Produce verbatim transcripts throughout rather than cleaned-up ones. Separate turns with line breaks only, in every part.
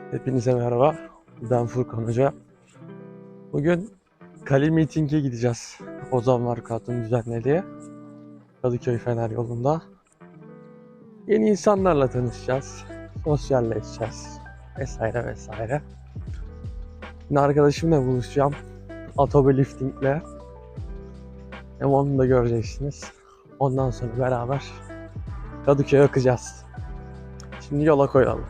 Hepinize merhaba. Ben Furkan Hoca. Bugün Kali Meeting'e gideceğiz. Ozan Markat'ın düzenlediği Kadıköy Fener yolunda. Yeni insanlarla tanışacağız. Sosyalleşeceğiz. Vesaire vesaire. Yine arkadaşımla buluşacağım. Atobe Lifting'le. Hem onu da göreceksiniz. Ondan sonra beraber Kadıköy'e akacağız. Şimdi yola koyalım.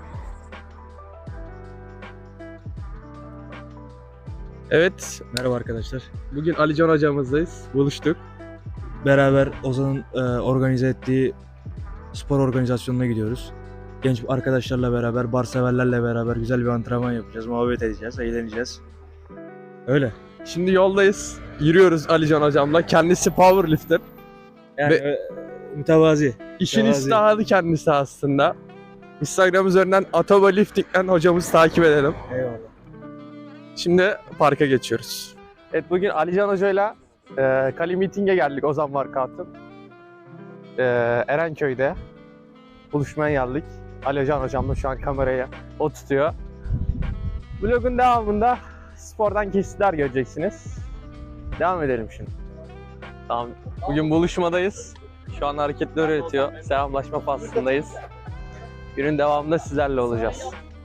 Evet, merhaba arkadaşlar. Bugün Alican hocamızdayız. Buluştuk.
Beraber Ozan'ın e, organize ettiği spor organizasyonuna gidiyoruz. Genç arkadaşlarla beraber, bar severlerle beraber güzel bir antrenman yapacağız, muhabbet edeceğiz, eğleneceğiz. Öyle.
Şimdi yoldayız. Yürüyoruz Alican hocamla. Kendisi powerlifter.
Yani
Ve-
e, mütevazi.
İşin
Mütevazi.
istihadı kendisi aslında. Instagram üzerinden Atobe Lifting'den hocamızı takip edelim.
Eyvallah.
Şimdi parka geçiyoruz. Evet, bugün Alican hocayla e, Kali Meeting'e geldik Ozan Markat'ın. E, Erenköy'de buluşmaya geldik. Alican hocamla şu an kamerayı o tutuyor. Vlogun devamında spordan kesitler göreceksiniz. Devam edelim şimdi. Tamam. Bugün buluşmadayız. Şu an hareketler öğretiyor. Selamlaşma faslındayız. Günün devamında sizlerle olacağız.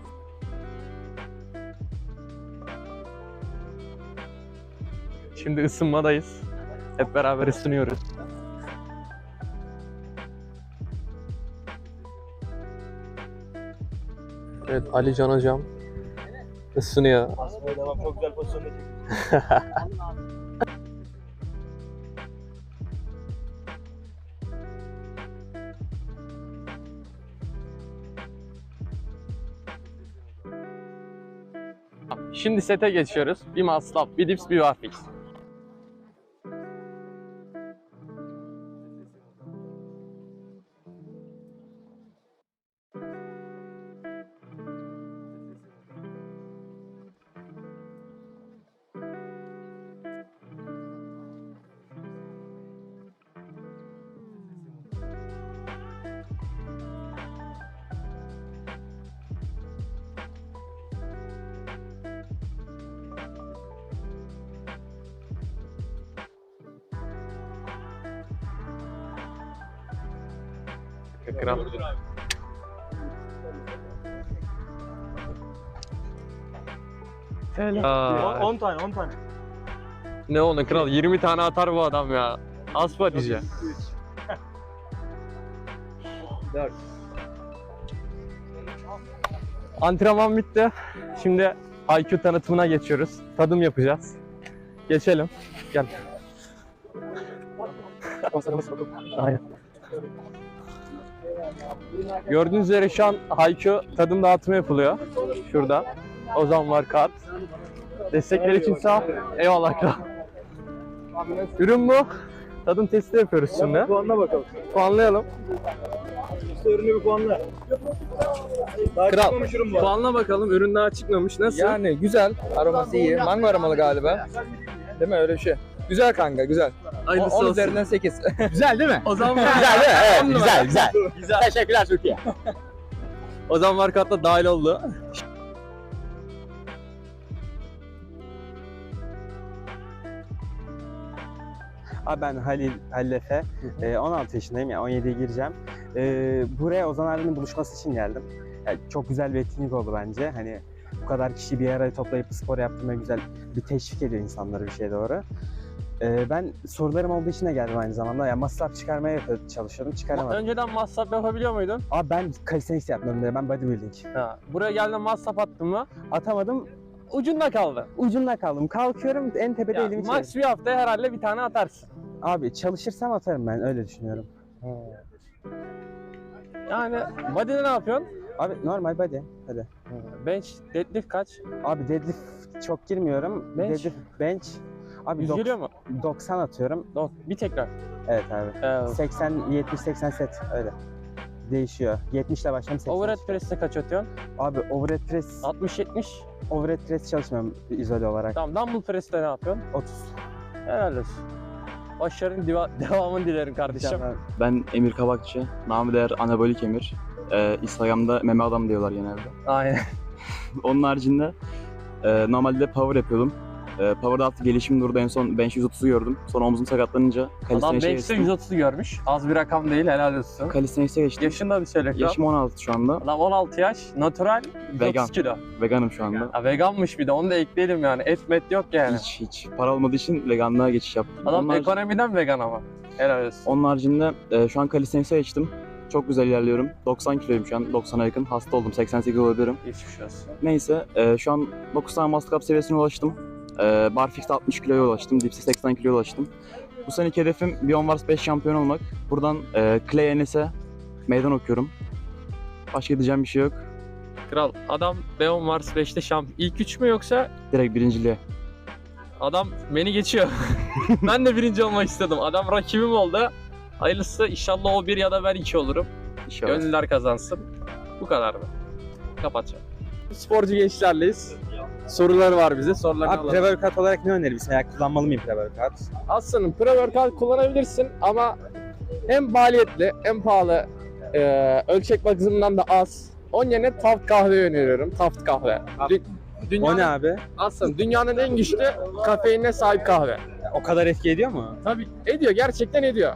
Şimdi ısınmadayız. Hep beraber ısınıyoruz. Evet, Alican hocam ısınıyor.
Aslında devam, çok güzel pozisyonda
Şimdi sete geçiyoruz. Bir muscle up, bir dips, bir barfix. Kral. Helal.
on tane, on tane.
Ne onu kral? yirmi tane atar bu adam ya. Aspa diyeceğim.
dört.
Antrenman bitti. Şimdi I Q tanıtımına geçiyoruz. Tadım yapacağız. Geçelim. Gel. Aynen. Gördüğünüz üzere şu an I Q tadım dağıtımı yapılıyor. Şurada. Ozan var kart. Destekler için sağ ol. Eyvallah kral. Ürün bu. Tadım testi yapıyoruz şimdi.
Puanla bakalım.
Puanlayalım.
Usta ürünü bir puanla. Daha
Kral.
çıkmamış ürün bu.
Puanla bakalım. Ürün daha çıkmamış. Nasıl?
Yani güzel, aroması iyi. Mango aromalı galiba. Değil mi öyle bir şey? Güzel kanka, güzel.
Hayırlısı
on
olsun.
üzerinden sekiz.
Güzel değil mi?
O zaman
Güzel değil mi? Evet, güzel, güzel. güzel. Teşekkürler Türkiye.
O zaman markatta dahil oldu.
Abi ben Halil Hallefe, Ee, on altı yaşındayım, yani on yediye gireceğim. Ee, buraya Ozan abinin buluşması için geldim. Yani çok güzel bir etkinlik oldu bence. Hani bu kadar kişi bir araya toplayıp spor yaptırmaya güzel bir teşvik ediyor insanları bir şeye doğru. Ee, ben sorularım olduğu için de geldim aynı zamanda. Yani masraf çıkarmaya çalışıyordum, çıkaramadım.
Önceden masraf yapabiliyor muydun?
Abi ben calisthenics yapmıyorum diye, ben bodybuilding.
Ha. Buraya geldin masraf attın mı?
Atamadım,
Ucunda kaldı.
ucunda kaldım. Kalkıyorum, en tepede
Ya,
elimi
max
çevirdim.
bir hafta herhalde bir tane atarsın.
Abi çalışırsam atarım, ben öyle düşünüyorum.
Yani body'de ne yapıyorsun?
Abi normal body, hadi.
Bench, deadlift kaç?
Abi deadlift çok girmiyorum.
Bench?
Deadlift, bench. Abi
Yüz
dok-
geliyor mu?
doksan atıyorum.
Yok, bir tekrar.
Evet abi.
Ee,
seksen, yetmiş, seksen set öyle. Değişiyor. yetmiş ile başlıyorum, seksen.
overhead press'te kaç atıyorsun?
Abi overhead press,
altmış yetmiş.
overhead press çalışmıyorum izole olarak.
Tamam, dumbbell press'te ne yapıyorsun?
otuz.
Helal olsun. Başarının diva- devamını dilerim kardeşim.
Canlar.
Ben Emir Kabakçı, namı değer Anabolik Emir. Ee, Instagram'da meme adam diyorlar genelde.
Aynen.
Onun haricinde e, normalde power yapıyordum. E, power'da artık gelişim durdu. En son bench yüz otuzu gördüm. Sonra omzum sakatlanınca
Adam
calisthenics'e
bench'te
geçtim.
yüz otuzu görmüş. Az bir rakam değil, helal olsun.
Calisthenics'e geçtim.
Yaşında bir söyle kral.
Yaşım on altı şu anda.
Adam on altı yaş, natural, yüz
Vegan.
otuz kilo.
Veganım şu anda.
Ha, veganmış bir de, onu da ekleyelim yani. Et met yok yani.
Hiç hiç. Para olmadığı için veganlığa geçiş yaptım.
Adam
Onun harici-
ekonomiden vegan ama. Helal olsun.
Onun haricinde e, şu an calisthenics'e geçtim. Çok güzel ilerliyorum. doksan kiloyum şu an. doksana yakın. Hasta oldum. seksen sekiz olabilirim.
Geçmiş olsun.
Neyse e, şu an dokuz tane master cup seviyesine ulaştım. E, barfix'te altmış kiloya ulaştım. Dips'te seksen kiloya ulaştım. Bu seneki hedefim Beyond Wars beş şampiyon olmak. Buradan e, Clay Enes'e meydan okuyorum. Başka diyeceğim bir şey yok.
Kral, adam Beyond Wars beşte şampiyon. İlk üç mü yoksa
Direkt birinciliğe.
adam beni geçiyor. Ben de birinci olmak istedim. Adam rakibim oldu. Hayırlısı, inşallah o bir ya da ben iki olurum.
İnşallah.
Gönüller kazansın. Bu kadar mı? Kapatacağım. Sporcu gençlerleyiz. Soruları var bize. Sorularını
Abi
alalım.
pre-workout olarak ne önerirsin? Yani kullanmalı mıyım pre-workout?
Aslında pre-workout kullanabilirsin ama hem maliyetli hem pahalı, e, ölçek bakımından da az. Onun yerine Taft kahve öneriyorum. Taft kahve. Dü-
O
dünyanın,
ne abi?
aslında dünyanın en güçlü kafeinine sahip kahve.
O kadar etki ediyor mu?
Tabii ediyor, gerçekten ediyor.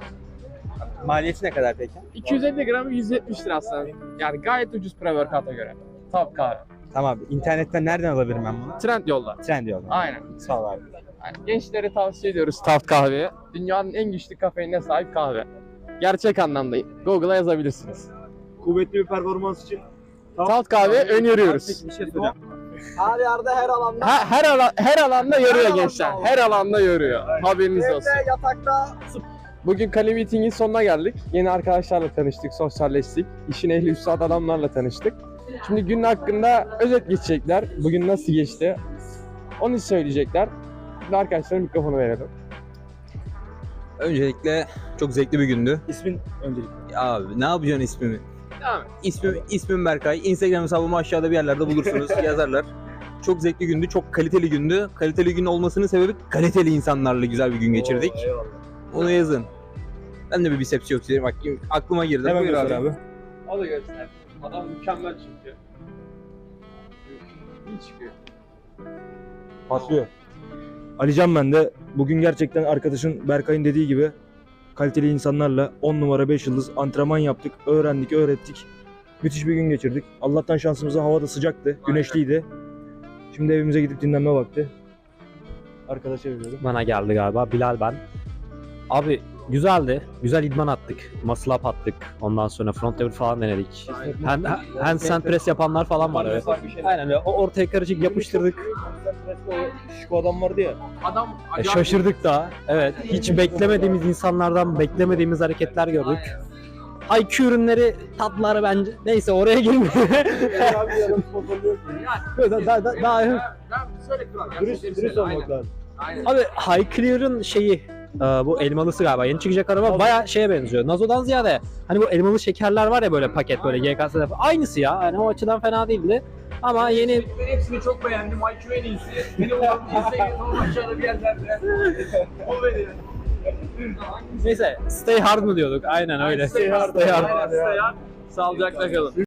Maliyeti ne kadar peki?
iki yüz elli gramı yüz yetmiş lira aslında. Yani gayet ucuz pre-workout'a göre. Taft kahve.
Tamam abi. İnternetten nereden alabilirim ben bunu?
Trend yolda.
Trendyol'dan.
Aynen.
Sağ ol abi.
Yani gençlere tavsiye ediyoruz Taft kahveyi. Dünyanın en güçlü kafeinine sahip kahve. Gerçek anlamda Google'a yazabilirsiniz.
Kuvvetli bir performans için
Taft kahve öneriyoruz.
Bir şey soracağım.
Her yerde her alanda.
Ha, her alan, her alanda yoruyor
alanda
gençler.
olur.
Her alanda yoruyor. Haberiniz
Evde,
olsun.
yatakta.
Bugün Kale Meeting'in sonuna geldik. Yeni arkadaşlarla tanıştık, sosyalleştik. İşin ehli üstad adamlarla tanıştık. Şimdi günün hakkında özet geçecekler. Bugün nasıl geçti? Onu söyleyecekler. Şimdi arkadaşlara mikrofonu verelim.
Öncelikle çok zevkli bir gündü.
ismin öncelikle.
Abi ne yapacaksın ismimi?
Devam et.
İsmim, ismim Berkay. Instagram hesabımı aşağıda bir yerlerde bulursunuz. Yazarlar. Çok zevkli gündü, çok kaliteli gündü. Kaliteli gün olmasının sebebi kaliteli insanlarla güzel bir gün geçirdik. Onu yazın. Ben de bir biceps yok size. Bak aklıma girdi.
Hemen
Buyur
göster abi.
O da göster. Adam mükemmel çünkü. İyi çıkıyor.
Patlıyor. Alican ben de bugün gerçekten arkadaşın Berkay'ın dediği gibi kaliteli insanlarla on numara beş yıldız antrenman yaptık, öğrendik, öğrettik. Müthiş bir gün geçirdik. Allah'tan şansımıza hava da sıcaktı, güneşliydi. Şimdi evimize gidip dinlenme vakti. Arkadaşa veriyorum.
Bana geldi galiba. Bilal ben. Abi güzeldi. Güzel idman attık. Muscle up attık. Ondan sonra front lever falan denedik. Hand, handstand press yapanlar falan var. Evet. Aynen öyle. O ortaya karışık yapıştırdık.
Şu adam vardı ya.
Adam
E, şaşırdık da. Evet. Hiç beklemediğimiz insanlardan beklemediğimiz hareketler gördük. I Q ürünleri, tatları bence. Neyse oraya girmiyor. daha, daha, daha, daha,
Dürüst, dürüst olmak lazım.
Abi High Clear'ın şeyi e, bu elmalısı galiba yeni çıkacak araba bayağı şeye benziyor. Nazo'dan ziyade hani bu elmalı şekerler var ya böyle paket böyle G K S'de falan. Aynısı ya. Yani o açıdan fena değildi. Ama yeni
Ben hepsini çok beğendim. I Q en iyisi. Beni olan Instagram'dan aşağıda bir yerlerde. O beni.
neyse stay hard mı diyorduk? Aynen öyle.
Stay hard.
Stay hard.
Stay hard.
sağlıcakla kalın.